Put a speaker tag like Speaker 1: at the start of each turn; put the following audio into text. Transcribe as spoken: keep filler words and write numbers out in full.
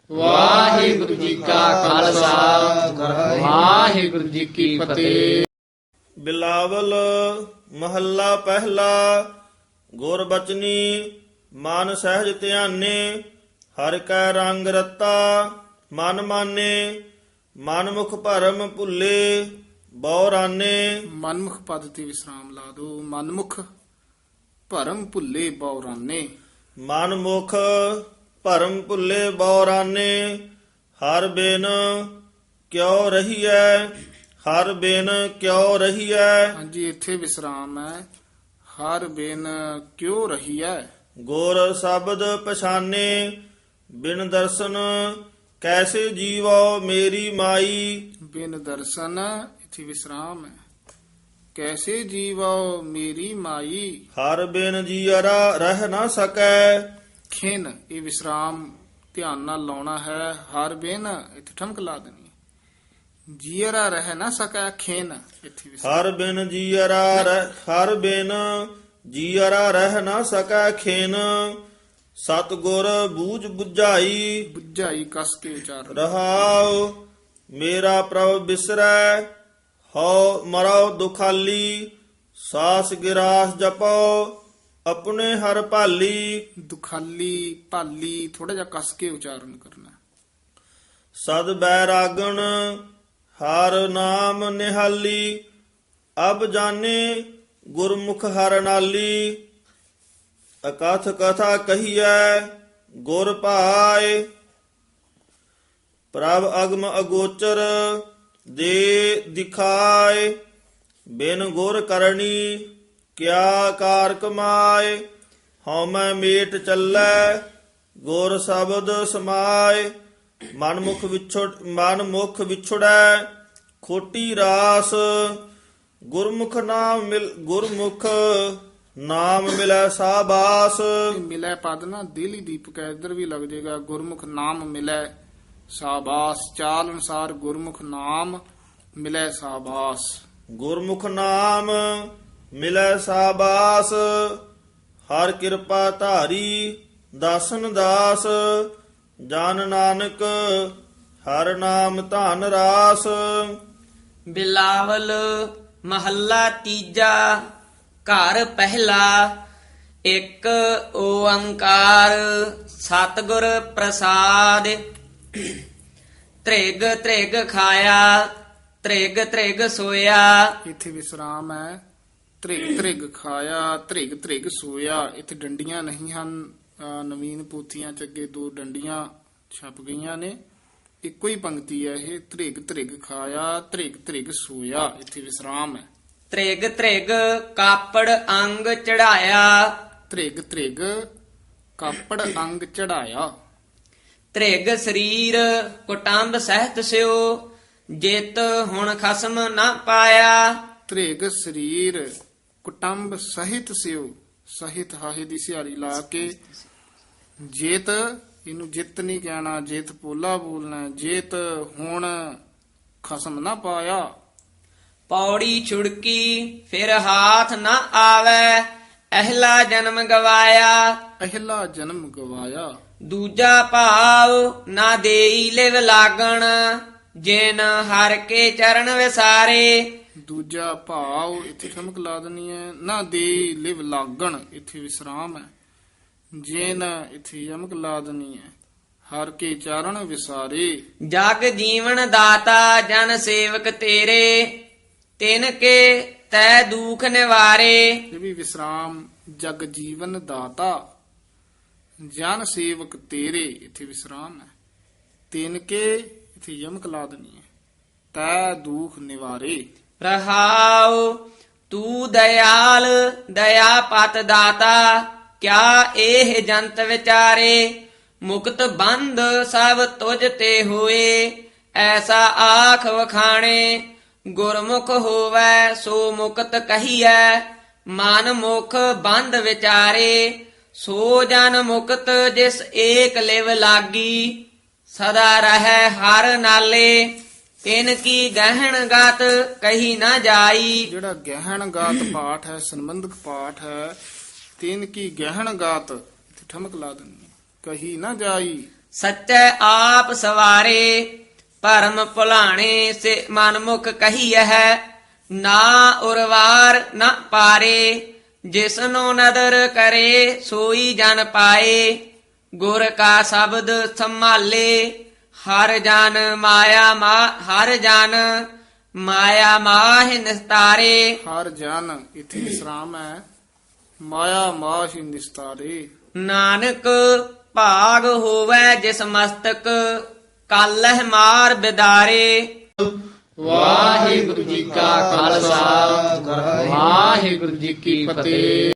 Speaker 1: ਵਾਹਿਗੁਰੂ ਜੀ ਕਾ ਖਾਲਸਾ ਵਾਹਿਗੁਰੂ ਜੀ ਕੀ ਫਤਿਹ।
Speaker 2: ਬਿਲਾਵਲ ਮਹੱਲਾ ਪਹਿਲਾ। ਗੁਰ ਬਚਨੀ ਮਨ ਸਹਿਜ ਧਿਆਨੇ, ਹਰਿ ਕੈ ਰੰਗ ਰਤਾ ਮਨ ਮਾਨੇ। ਮਨ ਮੁਖ ਭਰਮ ਭੁੱਲੇ ਬਹੁ ਰਾਨੇ।
Speaker 1: ਮਨਮੁਖ ਪਦ ਤੇ ਵਿਸਰਾਮ ਲਾ ਦੋ। ਮਨਮੁਖ ਭਰਮ ਭੁੱਲੇ ਬੌਰਾਨੇ।
Speaker 2: ਮਨ ਮੁਖ ਭਰਮ ਭੁੱਲੇ ਬਹੁ ਰਾਨੇ। ਹਰ ਬਿਨ ਕਿਉ ਰਹੀਐ, ਹਰ ਬਿਨ ਕਿਉ ਰਹੀਐ।
Speaker 1: ਹਾਂਜੀ, ਇੱਥੇ ਵਿਸਰਾਮ ਹੈ। ਹਰ ਬਿਨ ਕਿਉ ਰਹੀ ਹੈ।
Speaker 2: ਗੁਰ ਸ਼ਬਦ ਪਛਾਨੇ, ਬਿਨ ਦਰਸ਼ਨ ਕੈਸੇ ਜੀਵੋ ਮੇਰੀ ਮਾਈ।
Speaker 1: ਬਿਨ ਦਰਸ਼ਨ, ਇੱਥੇ ਵਿਸਰਾਮ ਹੈ। ਕੈਸੇ ਜੀਵੋ ਮੇਰੀ ਮਾਈ।
Speaker 2: ਹਰ ਬਿਨ ਜੀਅਰਾ ਰਹਿ ਨਾ ਸਕੈ।
Speaker 1: ਖਿਨ, ਇਹ ਵਿਸਰਾਮ ਧਿਆਨ ਨਾਲ ਲਾਉਣਾ ਹੈ। ਹਰ ਬਿਨ, ਇੱਥੇ ਠਮਕ ਲਾ ਦੇਣੀ। ਜੀਅਰਾ ਰਹਿ ਨਾ ਸਕੈ ਖਿਨ, ਇੱਥੇ ਵਿਸਰਾਮ।
Speaker 2: ਹਰ ਬਿਨ ਜੀਅਰਾ ਰਹਿ ਹਰ ਬਿਨ ਜੀਅਰਾ ਰਹਿ ਨਾ ਸਕੈ ਖੇਨ। ਸਤਿਗੁਰ ਬੂਝ ਬੁਝਾਈ
Speaker 1: ਬੁੱਝਾਈ ਕਸ ਕੇ ਉਚਾਰਨ।
Speaker 2: ਰਹਾਉ। ਮੇਰਾ ਪ੍ਰਭ ਬਿਸਰੈ ਹਉ ਮਰਉ ਦੁਖਾਲੀ। ਸਾਸ ਗਿਰਾਸ ਜਪੋ ਆਪਣੇ ਹਰ ਭਾਲੀ।
Speaker 1: ਦੁਖਾਲੀ ਭਾਲੀ ਥੋੜਾ ਜਿਹਾ ਕਸ ਕੇ ਉਚਾਰਨ ਕਰਨਾ।
Speaker 2: ਸਦ ਬੈਰਾਗਣ ਹਰ ਨਾਮ ਨਿਹਾਲੀ। ਅਬ ਜਾਣੇ ਗੁਰਮੁਖ ਹਰ ਨਾਲੀ। ਅਕਥ ਕਥਾ ਕਹੀਐ ਗੁਰ ਭਾਏ। ਪ੍ਰਭ ਅਗਮ ਅਗੋਚਰ ਦੇ ਦਿਖਾਏ। ਬਿਨ ਗੁਰ ਕਰਨੀ ਕਿਆ ਕਾਰ ਕਮਾਏ। ਹਉਮੈ ਮੇਟ ਚੱਲੈ ਗੁਰ ਸ਼ਬਦ ਸਮਾਏ। ਮਨ ਮੁਖ ਵਿਛੜ ਮਨ ਮੁਖ ਵਿਛੜੈ ਖੋਟੀ ਰਾਸ। ਗੁਰਮੁਖ ਨਾਮ ਮਿਲ ਗੁਰਮੁਖ ਨਾਮ ਮਿਲੈ ਸਾਬਾਸ।
Speaker 1: ਇਹ ਮਿਲੈ ਪਦ ਨਾ ਦੇਲੀ ਦੀਪਕ ਹੈ, ਇੱਧਰ ਵੀ ਲੱਗ ਜਾਏਗਾ। ਗੁਰਮੁਖ ਨਾਮ ਮਿਲੈ ਸਾਬਾਸ। ਚਾਲ ਅਨੁਸਾਰ ਗੁਰਮੁਖ ਨਾਮ ਮਿਲੈ ਸਾਬਾਸ।
Speaker 2: ਗੁਰਮੁਖ ਨਾਮ ਮਿਲੈ ਸਾਬਾਸ। ਹਰ ਕਿਰਪਾ ਧਾਰੀ ਦਾਸਨ ਦਾਸ। ਜਨ ਨਾਨਕ ਹਰ ਨਾਮ ਧਨ ਰਾਸ।
Speaker 3: ਬਿਲਾਵਲ ਮਹੱਲਾ ਤੀਜਾ। ਘਰ ਪਹਿਲਾ। ਇੱਕ ਓੰਕਾਰ ਸਤਿਗੁਰ ਪ੍ਰਸਾਦ। ਤ੍ਰਿਗ ਤ੍ਰਿਗ ਖਾਇਆ ਤ੍ਰਿਗ ਤ੍ਰਿਗ ਸੋਇਆ।
Speaker 1: ਇੱਥੇ ਵਿਸਰਾਮ ਹੈ। ਧ੍ਰਿਗ ਧ੍ਰਿਗ ਖਾਇਆ ਧ੍ਰਿਗ ਧ੍ਰਿਗ ਸੋਇਆ। ਇੱਥੇ ਡੰਡੀਆਂ ਨਹੀਂ ਹਨ। ਅਹ ਨਵੀਨ ਪੋਥੀਆਂ ਚ ਅੱਗੇ ਦੋ ਡੰਡੀਆਂ ਛਪ ਗਈਆਂ ਨੇ। ਇੱਕੋ ਹੀ ਪੰਕਤੀ ਹੈ ਇਹ। ਧ੍ਰਿਗ ਧ੍ਰਿਗ ਖਾਇਆ ਧ੍ਰਿਗ ਧ੍ਰਿਗ ਸੋਇਆ। ਇੱਥੇ ਵਿਸਰਾਮ ਹੈ।
Speaker 3: ਤ੍ਰਿਗ ਤ੍ਰਿਗ ਕਾਪੜ ਅੰਗ ਚੜਾਇਆ।
Speaker 1: ਧ੍ਰਿਗ ਧ੍ਰਿਗ ਕਾਪੜ ਅੰਗ ਚੜਾਇਆ।
Speaker 3: ਤ੍ਰਿਗ ਸਰੀਰ ਕੁਟੰਬ ਸਹਿਤ ਸਿਓ। ਜਿਤ ਹੁਣ ਖਸਮ ਨਾ ਪਾਇਆ।
Speaker 1: ਧ੍ਰਿਗ ਸਰੀਰ ਕੁਟੰਬ ਸਹਿਤ ਸਿਓ। ਸਹਿਤ ਹਾਹੇ ਦੀ ਸਿਹਾਰੀ ਲਾ ਕੇ। ਜੇਤ, ਇਹਨੂੰ ਜਿੱਤ ਨਹੀਂ ਕਹਿਣਾ, ਜੇਤ ਪੋਲਾ ਬੋਲਣਾ। ਜੇਤ ਹੁਣ ਖਸਮ ਨਾ ਪਾਇਆ।
Speaker 3: ਪੌੜੀ ਛੁੜਕੀ ਫਿਰ ਹਾਥ ਨਾ ਆਵੈ। ਅਹਿਲਾ ਜਨਮ ਗਵਾਇਆ।
Speaker 1: ਅਹਿਲਾ ਜਨਮ ਗਵਾਇਆ।
Speaker 3: ਦੂਜਾ ਭਾਵ ਨਾ ਦੇਈ ਲਿਵ ਲਾਗਣ। ਜਿਨ ਹਰ ਕੇ ਚਰਨ ਵਿਸਾਰੇ।
Speaker 1: ਦੂਜਾ ਭਾਵ ਇੱਥੇ ਠਮਕ ਲਾ ਦੇਣੀ ਹੈ। ਨਾ ਦੇ ਲਿਵ ਲਾਗਣ, ਇੱਥੇ ਵਿਸਰਾਮ ਹੈ। ਜੇਨ, ਇੱਥੇ ਯਮਕ ਲਾ ਦੇਣੀ ਹੈ। ਹਰ ਕੇ ਚਾਰਣ ਵਿਸਾਰੇ।
Speaker 3: ਜਗ ਜੀਵਨ ਦਾਤਾ ਜਨ ਸੇਵਕ ਤੇਰੇ। ਤਿਨ ਕੇ ਤੈ ਦੁਖ ਨਿਵਾਰੇ।
Speaker 1: ਇਹ ਵੀ ਵਿਸਰਾਮ। ਜਗ ਜੀਵਨ ਦਾਤਾ ਜਨ ਸੇਵਕ ਤੇਰੇ, ਇੱਥੇ ਵਿਸਰਾਮ ਹੈ। ਤਿਨ ਕੇ, ਇੱਥੇ ਯਮਕ ਲਾ ਦੇਣੀ ਹੈ। ਤੈ ਦੁਖ ਨਿਵਾਰੇ।
Speaker 3: ਰਹਾਉ ਤੂੰ ਦਇਆਲ ਦਇਆ ਪਤ ਦਾਤਾ। ਕਿਆ ਇਹ ਜੰਤ ਵਿਚਾਰੇ। ਮੁਕਤ ਬੰਧ ਸਭ ਤੁਝ ਤੇ ਹੋਏ। ਐਸਾ ਆਖ ਵਖਾਣੇ। ਗੁਰਮੁਖ ਹੋਵੈ ਸੋ ਮੁਕਤ ਕਹੀਐ। ਮਨ ਮੁਖ ਬੰਧ ਵਿਚਾਰੇ। ਸੋ ਜਨ ਮੁਕਤ ਜਿਸ ਏਕ ਲਿਵ ਲਾਗੀ। ਸਦਾ ਰਹੈ ਹਰ ਨਾਲੇ। ਤਿਨ ਕੀ ਗਹਿਣ ਗਤ ਕਹੀ ਨਾ ਜਾਈ।
Speaker 1: ਜਿਹੜਾ ਗਹਿਣ ਗਾਤ ਪਾਠ ਹੈ, ਸੰਬੰਧਕ ਪਾਠ ਹੈ। ਤਿਨ ਕੀ ਗਹਿਣ ਗਾਤ, ਇੱਥੇ ਠਮਕ ਲਾ ਦੇਣੀ ਹੈ। ਕਹੀ ਨਾ ਜਾਈ।
Speaker 3: ਸੱਚੈ ਆਪ ਸਵਾਰੇ ਭਰਮ ਭੁਲਾਣੇ ਸੇ ਮਨਮੁਖ ਕਹੀਐ ਨਾ ਉਰਵਾਰ ਨਾ ਪਾਰੇ ਜਿਸਨੋ ਨਦਰ ਕਰੇ ਸੋਈ ਜਨ ਪਾਏ ਗੁਰ ਕਾ ਸ਼ਬਦ ਸੰਭਾਲੇ ਹਰ ਜਨ ਮਾਇਆ ਮਾ ਹਰ ਜਨ ਮਾਇਆ ਮਾਹਿ ਨਿਸਤਾਰੇ
Speaker 1: ਹਰ ਜਨ ਇਥੇ ਵਿਸਰਾਮ ਹੈ ਮਾਇਆ ਮਾਹਿ ਨਿਸਤਾਰੇ
Speaker 3: ਨਾਨਕ ਭਾਗ ਹੋਵੇ ਜਿਸ ਮਸਤਕ ਕਾਲਹਿ ਮਾਰ ਬਿਦਾਰੇ
Speaker 1: ਵਾਹਿਗੁਰੂ ਜੀ ਕਾ ਖਾਲਸਾ ਵਾਹਿਗੁਰੂ ਜੀ ਕੀ ਫਤਿਹ।